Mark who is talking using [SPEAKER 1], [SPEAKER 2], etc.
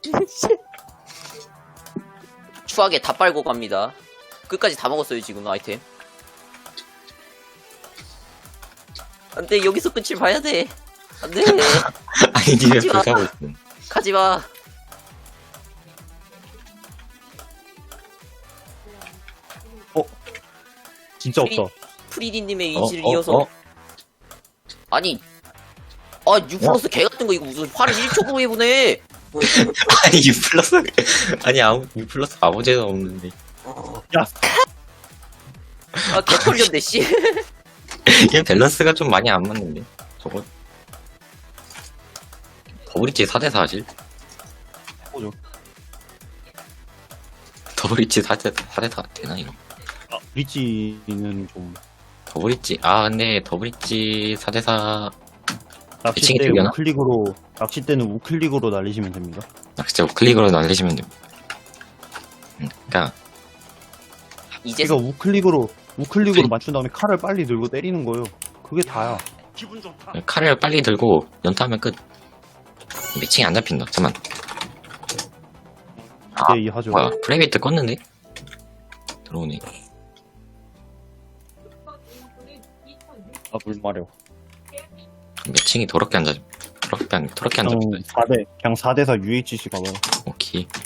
[SPEAKER 1] 추하게 다 빨고 갑니다. 끝까지 다 먹었어요 지금 아이템. 안돼 여기서 끝을 봐야 돼. 안돼
[SPEAKER 2] 아니 니왜
[SPEAKER 1] 하지마.
[SPEAKER 2] 불사고 있어?
[SPEAKER 1] 가지마.
[SPEAKER 3] 진짜 없다.
[SPEAKER 1] 프리디님의
[SPEAKER 2] 어,
[SPEAKER 1] 의지를
[SPEAKER 2] 어,
[SPEAKER 1] 이어서
[SPEAKER 2] 어?
[SPEAKER 1] 아니 U 플러스 개 같은 거 이거 무슨 화를 1초 후에 보내.
[SPEAKER 2] 아니 U 플러스 아니 U 플러스 아무 죄도 없는데.
[SPEAKER 1] 개 털렸네 씨.
[SPEAKER 2] 이게 밸런스가 좀 많이 안 맞는데. 저거 더블리치 4대4 하실?
[SPEAKER 3] 해보죠.
[SPEAKER 2] 더블리치 4대4 되나 이거?
[SPEAKER 3] 리치는 좀
[SPEAKER 2] 더블리치 근데 더블리치 4대4
[SPEAKER 3] 낚싯대
[SPEAKER 2] 되려나?
[SPEAKER 3] 우클릭으로 낚싯대는 우클릭으로 날리시면 됩니다.
[SPEAKER 2] 진짜 클릭으로 날리시면 돼요. 그러니까
[SPEAKER 1] 이제
[SPEAKER 3] 그러니까 우클릭으로 맞춘 다음에 칼을 빨리 들고 때리는 거예요. 그게 다야.
[SPEAKER 2] 칼을 빨리 들고 연타하면 끝. 매칭이 안 잡힌다. 잠만.
[SPEAKER 3] 네, 하죠.
[SPEAKER 2] 뭐야? 프라이빗 껐는데? 들어오네.
[SPEAKER 3] 물 마려.
[SPEAKER 2] 매칭이 더럽게 안 잡혀. 더럽게 안
[SPEAKER 3] 그냥
[SPEAKER 2] 잡힌다.
[SPEAKER 3] 4대 4 UHC 가봐요.
[SPEAKER 2] 오케이.